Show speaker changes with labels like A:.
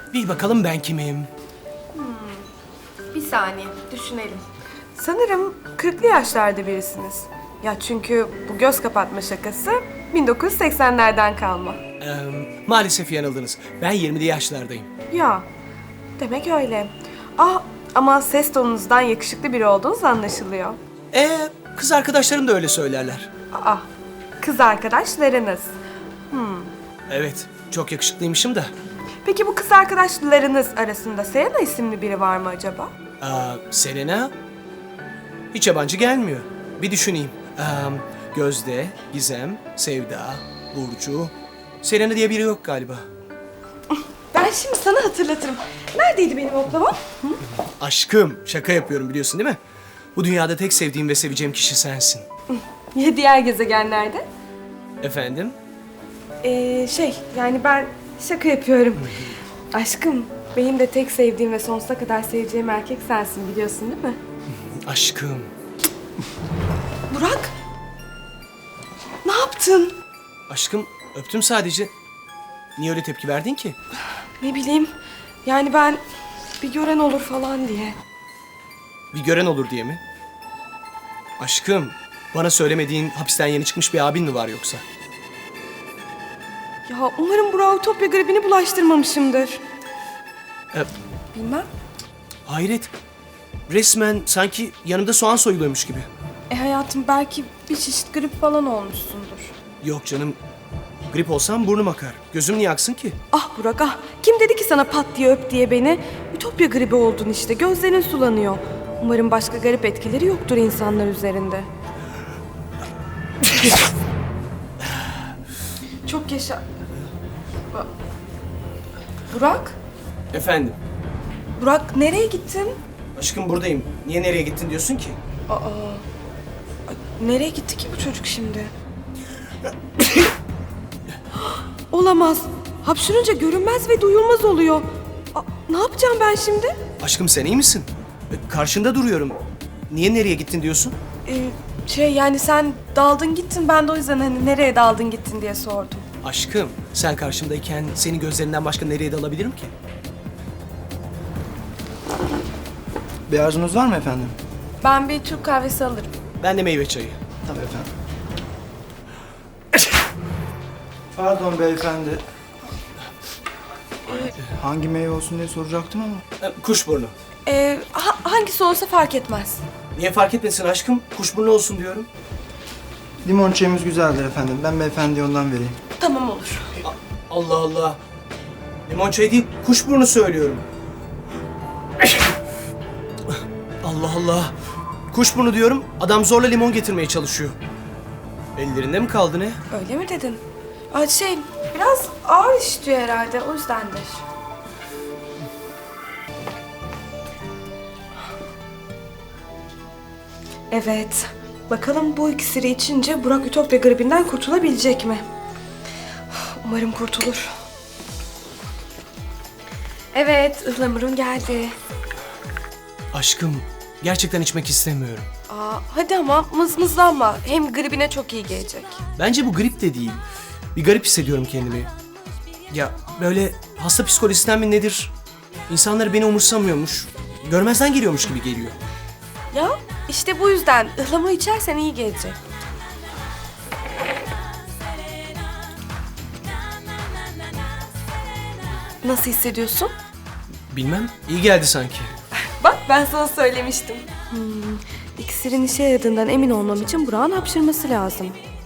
A: Bil bakalım ben kimim?
B: Bir saniye, düşünelim.
C: Sanırım 40'lı yaşlarda birisiniz. Ya çünkü bu göz kapatma şakası 1980'lerden kalma.
A: Maalesef yanıldınız. Ben 20'li yaşlardayım.
C: Ya, demek öyle. Ama ses tonunuzdan yakışıklı biri olduğunuz anlaşılıyor.
A: Kız arkadaşlarım da öyle söylerler.
C: Kız arkadaşlarınız.
A: Evet, çok yakışıklıymışım da.
C: Peki bu kız arkadaşlarınız arasında Selena isimli biri var mı acaba?
A: Selena? Hiç yabancı gelmiyor. Bir düşüneyim. Gözde, Gizem, Sevda, Burcu. Selena diye biri yok galiba.
C: Ben şimdi sana hatırlatırım. Neredeydi benim oklavam?
A: Aşkım, şaka yapıyorum biliyorsun değil mi? Bu dünyada tek sevdiğim ve seveceğim kişi sensin.
C: Ya diğer gezegenlerde?
A: Efendim?
C: Yani ben şaka yapıyorum. Aşkım, benim de tek sevdiğim ve sonsuza kadar seveceğim erkek sensin biliyorsun değil mi?
A: Aşkım.
C: Burak! Ne yaptın?
A: Aşkım, öptüm sadece. Niye öyle tepki verdin ki?
C: Ne bileyim, yani ben bir gören olur falan diye.
A: Bir gören olur diye mi? Aşkım, bana söylemediğin hapisten yeni çıkmış bir abin mi var yoksa?
C: Ya umarım Burak'a Ütopya gribini bulaştırmamışımdır.
A: Ee,
C: Bilmem.
A: Hayret. Resmen sanki yanımda soğan soyuluyormuş gibi.
C: Hayatım belki bir çeşit grip falan olmuşsundur.
A: Yok canım. Grip olsam burnum akar. Gözüm niye aksın ki?
C: Ah Burak ah. Kim dedi ki sana pat diye öp diye beni? Ütopya gribi oldun işte. Gözlerin sulanıyor. Umarım başka garip etkileri yoktur insanlar üzerinde. Çok yaşa... Burak?
A: Efendim?
C: Burak nereye gittin?
A: Aşkım buradayım. Niye nereye gittin diyorsun ki?
C: Nereye gitti ki bu çocuk şimdi? Olamaz. Hapşırınca görünmez ve duyulmaz oluyor. Ne yapacağım ben şimdi?
A: Aşkım sen iyi misin? Karşında duruyorum. Niye nereye gittin diyorsun?
C: Yani sen daldın gittin. Ben de o yüzden hani nereye daldın gittin diye sordum.
A: Aşkım sen karşımdayken seni gözlerinden başka nereye dalabilirim ki?
D: Bir arzunuz var mı efendim?
C: Ben bir Türk kahvesi alırım.
A: Ben de meyve çayı.
D: Tabii efendim. Pardon beyefendi. Hangi meyve olsun diye soracaktım ama.
A: Kuşburnu.
C: Hangisi olsa fark etmez.
A: Niye fark etmesin aşkım? Kuşburnu olsun diyorum.
D: Limon çayımız güzeldir efendim. Ben beyefendiye ondan vereyim.
C: Tamam olur.
A: Allah Allah. Limon çayı değil, kuşburnu söylüyorum. Allah Allah. Kuşburnu diyorum, adam zorla limon getirmeye çalışıyor. Ellerinde mi kaldı ne?
C: Öyle mi dedin? Biraz ağır işliyor herhalde. O yüzdendir. Evet. Bakalım bu iksiri içince Burak Ütopya gribinden kurtulabilecek mi? Umarım kurtulur. Evet, ıhlamurun geldi.
A: Aşkım, gerçekten içmek istemiyorum.
C: Hadi ama mızmızlanma. Hem gribine çok iyi gelecek.
A: Bence bu grip de değil. Bir garip hissediyorum kendimi. Ya böyle hasta psikolojisinden mi nedir? İnsanlar beni umursamıyormuş. Görmezden geliyormuş gibi geliyor.
C: Ya işte bu yüzden ıhlamur içersen iyi gelecek. Nasıl hissediyorsun?
A: Bilmem, iyi geldi sanki.
C: Bak ben sana söylemiştim. İksirin işe yaradığından emin olmam için Burak'ın hapşırması lazım.